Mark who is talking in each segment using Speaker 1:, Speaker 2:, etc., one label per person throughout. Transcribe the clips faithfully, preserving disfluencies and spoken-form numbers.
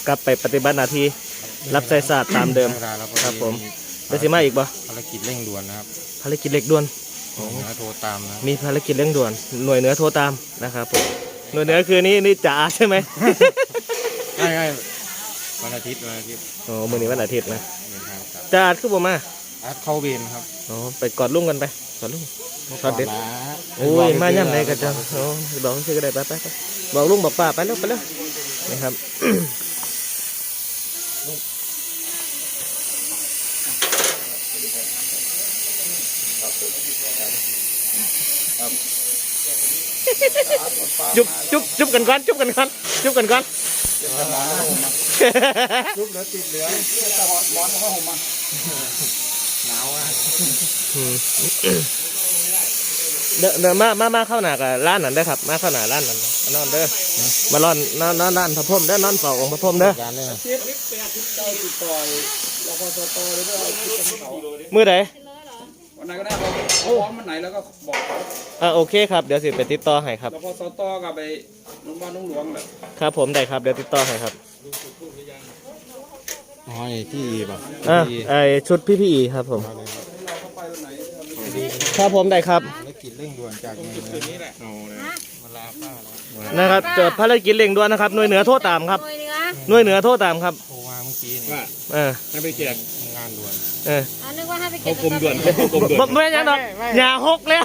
Speaker 1: กลับไปปฏิบัติหน้าที่รับใช้ศาสตร์ตามเดิมครับผมได้สิมาอีกบ่
Speaker 2: ภารกิจเร่งด่วนนะครับ
Speaker 1: ภารกิจเร่งด่วน
Speaker 2: หน่วยเหนือโทรตามนะ
Speaker 1: มีภารกิจเร่งด่วนหน่วยเหนือโทรตามนะครับผมหน่วยเหนือคือนี่นี่จ๋าใช่ไหม
Speaker 2: ใช่ใช่วันอาทิตย์วันอาทิตย์
Speaker 1: โอ้มื้อนี้วันอาทิตย์นะจ๋าคือบ่มา
Speaker 2: อาร์ตเข้าเวรครับ
Speaker 1: อ๋อไปกอดลุงกันไปกอดลุงกอดเด็ดโอ้ยมาย่ำไหนกันจังโอ้บอกชื่อก็ได้ไปไปไปบอกลุงบอกป้าไปแล้วไปแล้วนะครับจุบจุบจุบกันก่อนจุบกันก่อนจุบกันก่อน
Speaker 2: จุบเหลือติดเหลือแต่หอดร้อนเพราะผมมาหนาวอ่ะ
Speaker 1: เดี๋ยวมามามาเข้าหนากับร้านนั้นได้ครับมาเข้าหนาร้านนั้นนอนเด้อมาล่อนนอนนอนร้านพระพรหมเด้อนอนเฝ้าองค์พระพรหมเด้อมือไหน
Speaker 3: วันไหนก็ได้พร้อมวันไหนแล้วก็บอกเขา
Speaker 1: อ่าโอเคครับเดี๋ยวสิไปติดต่อให้ครับ
Speaker 3: แล้วพอสตกับไปโรงพยาบาลนุ่งหลวงแหละ
Speaker 1: ครับผมได้ครับเดี๋ยวติดต่อให้ครับ
Speaker 2: อ๋อไอ้ที่ป่ะ
Speaker 1: อ่าไอชุดพี่พี่ครับผมครับผมได้ครับ
Speaker 2: ภารกิจเร่งด่วนจากหน่วยเหนือนี่แหละมาลาป้า
Speaker 1: นะครับเจอภารกิจเร่งด่วนนะครับหน่วยเหนือโทษตามครับหน่วยเหนือโทษตามครับ
Speaker 2: โทรมาเมื่อกี้นี่
Speaker 3: ว่า
Speaker 1: เออ
Speaker 3: ให้ไปเก็บ
Speaker 2: งานด่วน
Speaker 1: เออ
Speaker 4: นึกว่าให้ไปเก็บ
Speaker 3: กรมด่วนกรมด่วน
Speaker 1: ไม่ยังดอกอย่าหกแล้ว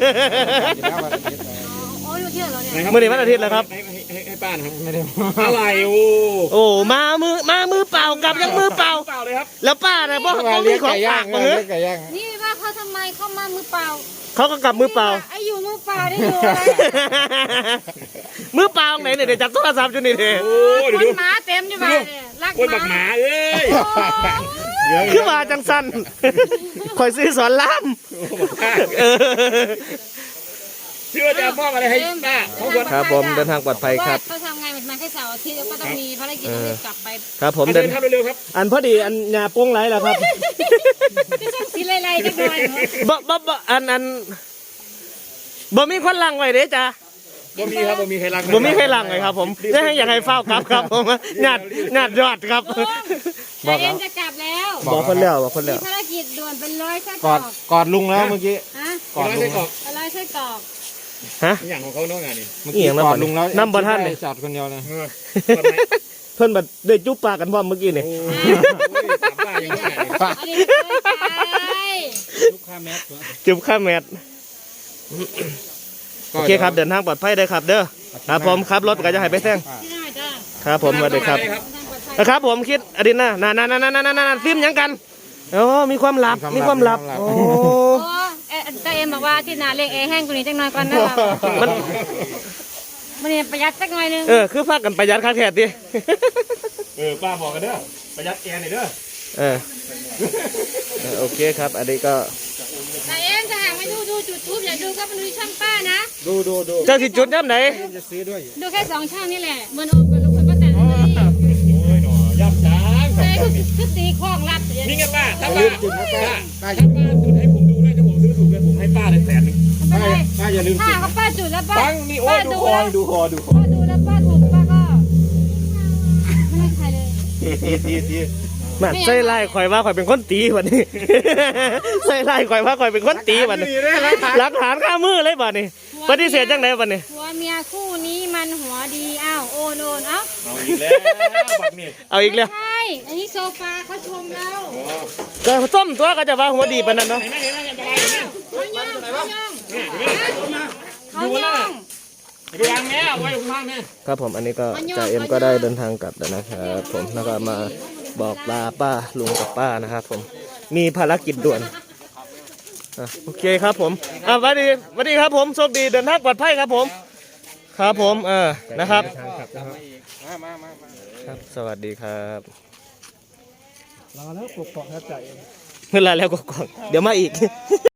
Speaker 4: โอ้ยเที่ยวเหรอเนี่ย
Speaker 1: มื่อนี้วันอาทิตย์แล้วครับ
Speaker 3: ให้ป้านะครับไม่ได้อะไรโอ้
Speaker 1: โอ้มามือมามือเปล่ากลับยังมือเปล่า
Speaker 3: เปล่าเลยครับ
Speaker 1: แล้วป้าเนี่ยบอกเขามีของฝากมาเฮ้ย
Speaker 4: นี่ว่าเขาทำไมเข้ามามือเปล่า
Speaker 1: เขาก็กลับมือเปล่า
Speaker 4: ไอ้อยู่มือเปล่าได้อยู่อะไร
Speaker 1: มือเปล่าไหนเนี่ยเดี๋ยวจับโทรศัพท์จนนี่เถอะ
Speaker 4: โอ้ยคนหมาเต็มอยู่บ้านเนี่ยรัก
Speaker 3: หมาเอ้ย
Speaker 1: คือมาจังสันคอยซื้อสอนล่าม
Speaker 3: เชื่อจะมอบอะไรให้ป้า
Speaker 1: ครับผมเดินทางปลอดภัยครับ
Speaker 4: เขาทำงานมันแค่เสาร์อาทิตย์แล้วก็ต้องมีภารกิจต้องกลับไป
Speaker 1: ครับผมเดิน
Speaker 3: เร็วครับ
Speaker 1: อันพอดีอันหญ้าโป้งไหลแล้วครับ
Speaker 4: ที่ต้องสีไรๆจังเลย
Speaker 1: บ่บ่บ่อันอันบ่มีคนลังไว้เด้จ้า
Speaker 3: บ่มีครับบ่มีใครลัง
Speaker 1: บ่มีใครลังเลยครับผมได้ให้อยากให้เฝ้าครับครับผมหยาดหยาดยอดครับ
Speaker 4: บอกเอ็มจะกลับแล้ว
Speaker 1: บอกคนแล้วบอกคนแล้ว
Speaker 4: ภารกิจด่วนเป็นร้อยไส้
Speaker 2: กรอกกอดลุงแล้วเมื่อกี้
Speaker 3: กอดลุง
Speaker 4: ร้อยไส้กรอก
Speaker 1: ฮะ
Speaker 3: อย่างของเขาเนาะงานนี้
Speaker 2: เมื่อกี้กอดลุงแล้ว
Speaker 1: น้ำบะท่านเลย
Speaker 2: จอดคนเดียวเลย
Speaker 1: เพิ่นแบบได้จุ๊บปากกันพร้อมเมื่อกี้นี่
Speaker 3: จุ๊บข้าแมส
Speaker 1: จุ๊บข้าแมสโอเคครับเดินทางปลอดภัยได้ครับเด้อครับผมครับรถก็จะให้ไปแซงครับผมมาเลยครับนะครับผมคิดอดินนะนานานานานานฟิล์มยังกันโอ้มีความลับมีความลับโอ้
Speaker 4: แต่เอ็มบอกว่าที่นาเล็กเอแห้งกว่านี้จังหน่อยก่อนนะครับมันมันเนี่ยประหยัดสักหน่อยนึง
Speaker 1: เออคือพากันประหยัดค่าแท็กดิ
Speaker 3: เออป้าบอกกันเด้อประหยัดแกนหน่อยเด้อ
Speaker 1: เออโอเคครับอันนี้ก็
Speaker 4: แต่เอ็มจะหาไม่ดูดูจุดทูบอย่าดูก็ไปดูช่องป้านะ
Speaker 2: ดูดูดู
Speaker 1: เจ้าที่จุดน้ำไหน
Speaker 2: จะซื้อด้วย
Speaker 4: ดูแค่สองช่องนี่แหละเหมือนโอมกับลูกคนก็แต่งเลย
Speaker 3: โอ้ยหนอย่ำช้าง
Speaker 4: ใช่คือตีคล้องรัด
Speaker 3: นี่ไงป้าถ้าป้าถ้าป้าถ้าป้าจุดให้ผมดูด้วยถ้าผมซื้อถูกเลยผมให้ป้าเลยแสนหนึ่ง
Speaker 4: ป้า
Speaker 2: ป้าอย่าลืม
Speaker 4: ถ้าเขาป้าจุดแล้วป้า
Speaker 3: ฟังนี่โอ้ดูคอดูคอดูคอ
Speaker 4: ป้าดูแล้วป้าถูกป้าก็ไม่ให้ใครเลย
Speaker 2: ตีตีตี
Speaker 1: มาใส่ไล่ข่อยว่าข่อยเป็นคนตีวันนี้ใส่ไล่ข่อยว่าข่อยเป็นคนตีวันนี้หลักฐานข้ามือเลยบัดนี้ปฏิเสธจังไหนบัดนี้
Speaker 4: หัวเมียคู่นี้มันหัวดีอ้าวโอนโอนเอ้า
Speaker 3: เอาอีกแล้วบัดนี้
Speaker 1: เอาอีกแล้ว
Speaker 4: ใช่อันนี้โซฟาเขาชมเรา
Speaker 1: ก็ส้มตัวก็จะว่าหัวดีปานนั้นเนาะ
Speaker 4: เขาย่องเขาย่องเขาย่อง
Speaker 3: ดูยังแม่ไว้ข้างแม่
Speaker 1: ครับผมอันนี้ก็จ่าเอ็มก็ได้เดินทางกลับแล้วนะครับผมแล้วก็มาบอกลาป้าลุงกับป้านะครับผมมีภารกิจด่วนโอเคครับผมอ่าสวัสดีสวัสดีครับผมโชคดีเดินทางปลอดภัยครับผมครับผมเออนะครับครับสวัสดีครับ
Speaker 2: รอแล้วกดกล่องครับจ่าเอ็ม
Speaker 1: เวลาแล้วกดกล่องเดี๋ยวมาอีก